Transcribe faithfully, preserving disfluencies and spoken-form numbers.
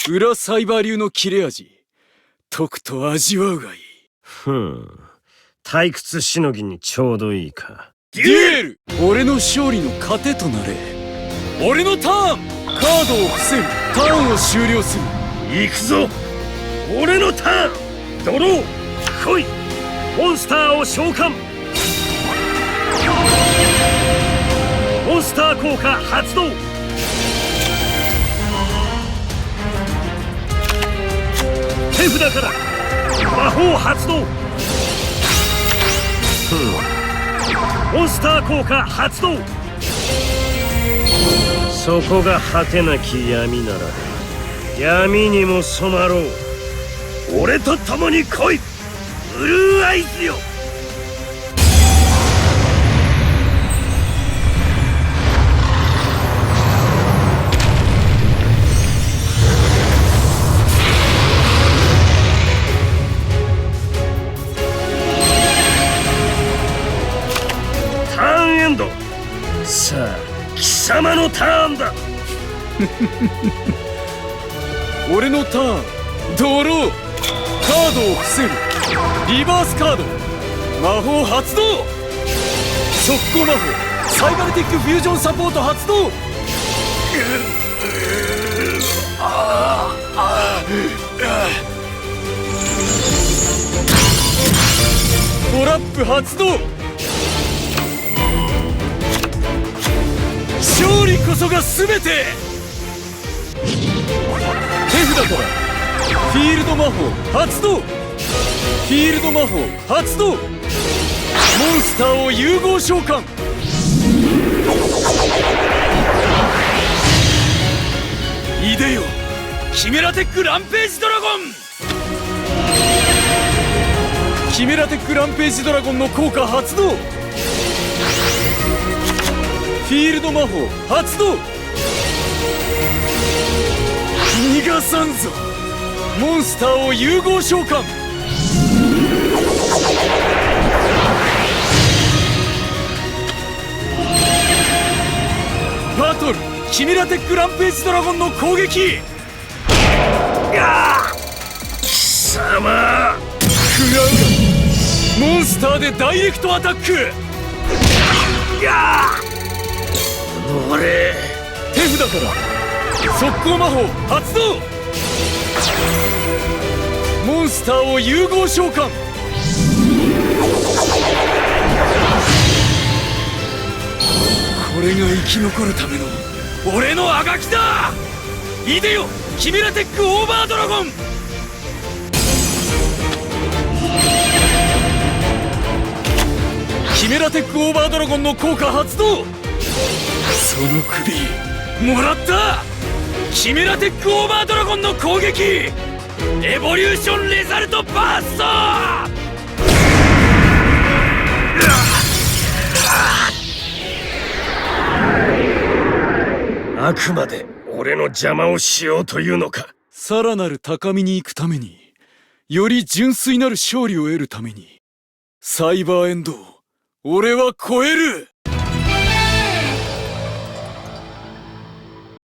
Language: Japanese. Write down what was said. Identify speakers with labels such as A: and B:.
A: 裏サイバー流の切れ味、とくと味わうがいい。
B: ふん、退屈しのぎにちょうどいいか。
A: デュエル！俺の勝利の糧となれ。俺のターン！カードを伏せる。ターンを終了する。
B: 行くぞ、俺のターン。ドロー、来い。モンスターを召喚。モンスター効果発動。手札から魔法発動。ふん、モンスター効果発動。そこが果てなき闇なら闇にも染まろう。俺と共に来い、ブルーアイズよ。ターンエンド。さあ、貴様のターンだ。
A: 俺のターン、ドロー。カードを伏せる。リバースカード。魔法発動。速攻魔法サイバルティックフュージョンサポート発動。トラップ発動。勝利こそが全て。手札からフィールド魔法発動。フィールド魔法発動。モンスターを融合召喚。いでよ、キメラテックランページドラゴン。キメラテックランページドラゴンの効果発動。フィールド魔法発動。逃がさんぞ。モンスターを融合召喚。バトルキメラテックランページドラゴンの攻撃。
B: やあ、貴様。
A: 食らうが。モンスターでダイレクトアタック。
B: やあ、俺。
A: 手札から速攻魔法発動。モンスターを融合召喚。これが生き残るための俺のあがきだ。いでよ、キメラテックオーバードラゴン。キメラテックオーバードラゴンの効果発動。その首もらった。キメラテックオーバードラゴンの攻撃。エボリューションレザルトバースト。
B: あくまで俺の邪魔をしようというのか。
A: さらなる高みに行くために、より純粋なる勝利を得るために、サイバーエンドを俺は超える。